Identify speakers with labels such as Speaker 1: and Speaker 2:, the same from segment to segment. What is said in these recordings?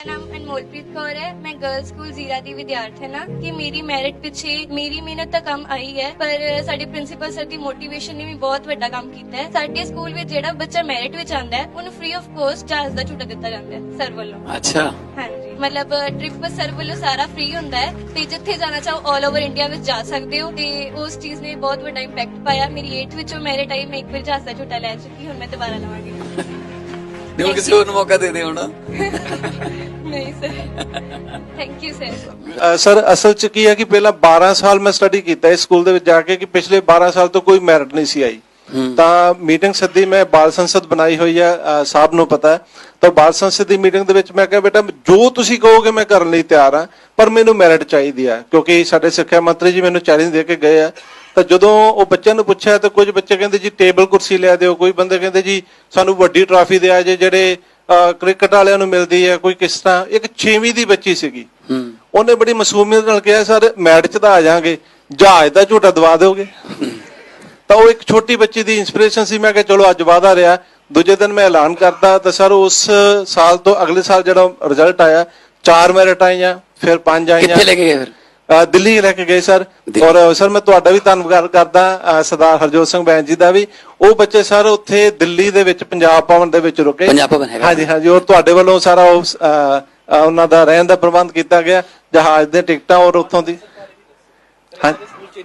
Speaker 1: ਨਾਮ ਅਨਮੋਲਪ੍ਰੀਤ ਕੌਰ ਹੈ। ਮੈਂ ਗਰਲਸ ਸਕੂਲ ਜ਼ੀਰਾ ਦੀ ਵਿਦਿਆਰਥਣ ਹਾਂ ਕਿ ਮੇਰੀ ਮੈਰਿਟ ਪਿੱਛੇ ਮੇਰੀ ਮਿਹਨਤ ਤਾਂ ਕੰਮ ਆਈ ਹੈ, ਪਰ ਸਾਡੇ ਪ੍ਰਿੰਸੀਪਲ ਸਰ ਦੀ ਮੋਟੀਵੇਸ਼ਨ ਨੇ ਵੀ ਬਹੁਤ ਵੱਡਾ ਕੰਮ ਕੀਤਾ ਹੈ। ਸਾਡੇ ਸਕੂਲ ਵਿੱਚ ਜਿਹੜਾ ਬੱਚਾ ਮੈਰਿਟ ਵਿੱਚ ਆਂਦਾ ਹੈ ਉਹਨੂੰ ਫ੍ਰੀ ਆਫ ਕੋਸਟ ਜਹਾਜ਼ ਦਾ ਝੂਟਾ ਦਿੱਤਾ ਜਾਂਦਾ ਹੈ ਸਰ ਵੱਲੋਂ।
Speaker 2: ਅੱਛਾ,
Speaker 1: ਹਾਂਜੀ, ਮਤਲਬ ਟ੍ਰਿਪ ਸਰ ਵੱਲੋਂ ਸਾਰਾ ਫ੍ਰੀ ਹੁੰਦਾ ਹੈ ਤੇ ਜਿੱਥੇ ਜਾਣਾ ਚਾਹੋ ਆਲ ਓਵਰ ਇੰਡੀਆ ਵਿੱਚ ਜਾ ਸਕਦੇ ਹੋ ਤੇ ਉਸ ਚੀਜ਼ ਨੇ ਬਹੁਤ ਵੱਡਾ ਇੰਪੈਕਟ ਪਾਇਆ। ਮੇਰੀ 8th ਵਿੱਚੋਂ ਮੈਰਿਟ ਆਈ, ਮੈਂ ਇੱਕ ਵਾਰ ਜਹਾਜ਼ ਦਾ ਝੂਟਾ ਲੈ ਚੁੱਕੀ, ਹੁਣ ਮੈਂ ਦੁਬਾਰਾ ਲਵਾਂਗੀ।
Speaker 2: ਦਿਓ ਕਿਸੇ ਹੋਰ ਨੂੰ ਮੌਕਾ ਦੇ ਦੇ ਹੁਣ।
Speaker 1: ਨਹੀਂ sir, thank you sir.
Speaker 3: Sir ਅਸਲ ਚ ਕੀ ਹੈ ਕਿ ਪਹਿਲਾਂ 12 ਸਾਲ ਮੈਂ ਸਟੱਡੀ ਕੀਤਾ ਇਸ ਸਕੂਲ ਦੇ ਵਿੱਚ ਜਾ ਕੇ ਕਿ ਪਿਛਲੇ 12 ਸਾਲ ਤੋਂ ਕੋਈ ਮੈਰਿਟ ਨਹੀਂ ਸੀ ਆਈ। ਤਾਂ ਮੀਟਿੰਗ ਸੱਦੀ, ਮੈਂ ਬਾਲ ਸੰਸਦ ਬਣਾਈ ਹੋਈ ਹੈ, ਸਾਹਿਬ ਨੂੰ ਪਤਾ ਹੈ। ਤਾਂ ਬਾਲ ਸੰਸਦ ਦੀ ਮੀਟਿੰਗ ਦੇ ਵਿੱਚ ਮੈਂ ਕਿਹਾ ਬੇਟਾ ਜੋ ਤੁਸੀਂ ਕਹੋਗੇ ਮੈਂ ਕਰਨ ਲਈ ਤਿਆਰ ਹਾਂ, ਪਰ ਮੈਨੂੰ ਮੈਰਿਟ ਚਾਹੀਦੀ ਹੈ ਕਿਉਂਕਿ ਸਾਡੇ ਸਿੱਖਿਆ ਮੰਤਰੀ ਜੀ ਮੈਨੂੰ ਚੈਲੰਜ ਦੇ ਕੇ ਗਏ ਆ। ਤਾਂ ਜਦੋਂ ਉਹ ਬੱਚਿਆਂ ਨੂੰ ਪੁੱਛਿਆ ਤਾਂ ਕੁਝ ਬੱਚੇ ਕਹਿੰਦੇ ਜੀ ਟੇਬਲ ਕੁਰਸੀ ਲਿਆ ਦਿਓ, ਕੋਈ ਬੰਦੇ ਕਹਿੰਦੇ ਜੀ ਸਾਨੂੰ ਵੱਡੀ ਟਰਾਫੀ ਦਿਆ ਜੇ ਜਿਹੜੇ ਕ੍ਰਿਕਟ ਵਾਲਿਆਂ ਨੂੰ ਮਿਲਦੀ ਹੈ, ਕੋਈ ਕਿਸ ਤਰ੍ਹਾਂ। ਇੱਕ 6ਵੀਂ ਦੀ ਬੱਚੀ ਸੀਗੀ, ਉਹਨੇ ਬੜੀ ਮਾਸੂਮੀਅਤ ਨਾਲ ਕਿਹਾ ਸਰ ਮੈਰਿਟ ਚ ਤਾਂ ਆ ਜਾਾਂਗੇ, ਜਹਾਜ਼ ਦਾ ਝੂਟਾ ਦਵਾ ਦਿਓਗੇ। ਤਾਂ ਉਹ ਇੱਕ ਛੋਟੀ ਬੱਚੀ ਦੀ ਇੰਸਪੀਰੇਸ਼ਨ ਸੀ। ਮੈਂ ਕਿਹਾ ਚਲੋ ਅੱਜ ਵਾਅਦਾ ਰਿਹਾ। ਦੂਜੇ ਦਿਨ ਮੈਂ ਐਲਾਨ ਕਰਤਾ ਤਾਂ ਸਰ ਉਸ ਸਾਲ ਤੋਂ ਅਗਲੇ ਸਾਲ ਜਿਹੜਾ ਰਿਜ਼ਲਟ ਆਇਆ 4 ਮੈਰਿਟ ਆਈਆਂ, ਫਿਰ 5 ਆਈਆਂ।
Speaker 2: ਕਿੱਥੇ ਲੈ ਕੇ ਗਏ ਫਿਰ?
Speaker 3: ਦਿੱਲੀ ਲੈ ਕੇ ਗਏ ਸਰ। ਔਰ ਸਰ ਮੈਂ ਤੁਹਾਡਾ ਵੀ ਧੰਨਵਾਦ ਕਰਦਾ, ਸਰਦਾਰ ਹਰਜੋਤ ਸਿੰਘ ਬੈਂਸ ਜੀ ਦਾ ਵੀ। ਉਹ ਬੱਚੇ ਸਰ ਉੱਥੇ ਦਿੱਲੀ ਦੇ ਵਿੱਚ ਪੰਜਾਬ ਭਵਨ ਦੇ ਵਿੱਚ ਰੁਕੇ।
Speaker 2: ਪੰਜਾਬ ਭਵਨ ਹੈਗਾ? ਹਾਂਜੀ
Speaker 3: ਹਾਂਜੀ। ਔਰ ਤੁਹਾਡੇ ਵੱਲੋਂ ਸਾਰਾ ਉਹਨਾਂ ਦਾ ਰਹਿਣ ਦਾ ਪ੍ਰਬੰਧ ਕੀਤਾ ਗਿਆ, ਜਹਾਜ਼ ਦੇ ਟਿਕਟਾਂ ਔਰ ਉੱਥੋਂ ਦੀ। ਹਾਂਜੀ,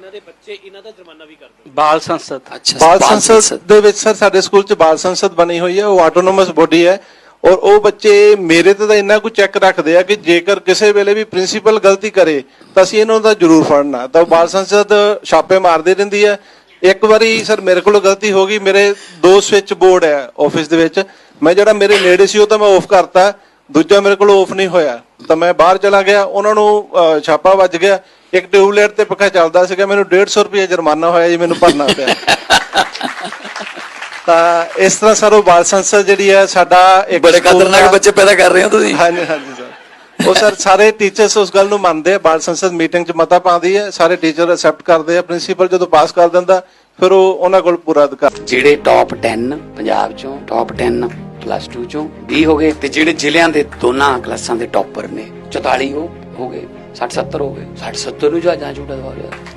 Speaker 4: ਬਾਲ ਸੰਸਦ।
Speaker 2: ਅੱਛਾ,
Speaker 3: ਬਾਲ ਸੰਸਦ ਦੇ ਵਿੱਚ ਸਰ ਸਾਡੇ ਸਕੂਲ ਚ ਬਾਲ ਸੰਸਦ ਬਣੀ ਹੋਈ ਹੈ, ਉਹ ਆਟੋਨੋਮਸ ਬੋਡੀ ਹੈ। ਔਰ ਉਹ ਬੱਚੇ ਮੇਰੇ ਤੇ ਤਾਂ ਇੰਨਾ ਕੁ ਚੈੱਕ ਰੱਖਦੇ ਆ ਕਿ ਜੇਕਰ ਕਿਸੇ ਵੇਲੇ ਵੀ ਪ੍ਰਿੰਸੀਪਲ ਗਲਤੀ ਕਰੇ ਤਾਂ ਅਸੀਂ ਇਹਨਾਂ ਦਾ ਜ਼ਰੂਰ ਫੜਨਾ। ਤਾਂ ਬਾਲ ਸੰਸਦ ਛਾਪੇ ਮਾਰਦੀ ਰਹਿੰਦੀ ਹੈ। ਇੱਕ ਵਾਰੀ ਸਰ ਮੇਰੇ ਕੋਲੋਂ ਗਲਤੀ ਹੋ ਗਈ, ਮੇਰੇ 2 ਸਵਿਚ ਬੋਰਡ ਹੈ ਆਫਿਸ ਦੇ ਵਿੱਚ, ਮੈਂ ਜਿਹੜਾ ਮੇਰੇ ਨੇੜੇ ਸੀ ਉਹ ਤਾਂ ਮੈਂ ਆਫ ਕਰਤਾ, ਦੂਜਾ ਮੇਰੇ ਕੋਲ ਆਫ ਨਹੀਂ ਹੋਇਆ। ਤਾਂ ਮੈਂ ਬਾਹਰ ਚਲਾ ਗਿਆ, ਉਹਨਾਂ ਨੂੰ ਛਾਪਾ ਵੱਜ ਗਿਆ। ਇੱਕ ਟਿਊਬਲਾਈਟ ਤੇ ਪੱਖਾ ਚੱਲਦਾ ਸੀਗਾ, ਮੈਨੂੰ 150 ਰੁਪਏ ਜੁਰਮਾਨਾ ਹੋਇਆ ਜੀ, ਮੈਨੂੰ ਭਰਨਾ ਪਿਆ। ਤਾਂ ਇਸ ਤਰ੍ਹਾਂ ਸਰ ਉਹ ਬਾਲ ਸੰਸਦ ਜਿਹੜੀ ਹੈ ਸਾਡਾ ਇੱਕ
Speaker 2: ਬੜੇ ਖਤਰਨਾਕ ਬੱਚੇ ਪੈਦਾ ਕਰ ਰਹੇ ਹੋ ਤੁਸੀਂ।
Speaker 3: ਹਾਂਜੀ ਹਾਂਜੀ ਸਰ। ਉਹ ਸਰ ਸਾਰੇ ਟੀਚਰਸ ਉਸ ਗੱਲ ਨੂੰ ਮੰਨਦੇ ਆ, ਬਾਲ ਸੰਸਦ ਮੀਟਿੰਗ 'ਚ ਮਤਾ ਪਾਉਂਦੀ ਹੈ, ਸਾਰੇ ਟੀਚਰ ਐਕਸੈਪਟ ਕਰਦੇ ਆ, ਪ੍ਰਿੰਸੀਪਲ ਜਦੋਂ ਪਾਸ ਕਰ ਦਿੰਦਾ ਫਿਰ ਉਹ ਉਹਨਾਂ ਕੋਲ ਪੂਰਾ ਅਧਿਕਾਰ।
Speaker 2: ਜਿਹੜੇ ਟੌਪ 10 ਪੰਜਾਬ ਚੋਂ, ਟੌਪ 10 ਪਲੱਸ 2 ਚੋਂ 20 ਹੋ ਗਏ ਤੇ ਜਿਹੜੇ ਜ਼ਿਲ੍ਹਿਆਂ ਦੇ ਦੋਨਾਂ ਕਲਾਸਾਂ ਦੇ ਟੌਪਰ ਨੇ 44 ਹੋ ਗਏ, 60-70 ਹੋ ਗਏ। 60-70 ਨੂੰ ਜਹਾਜ਼ਾਂ ਝੂਟਾ ਦਵਾ ਰਿਹਾ।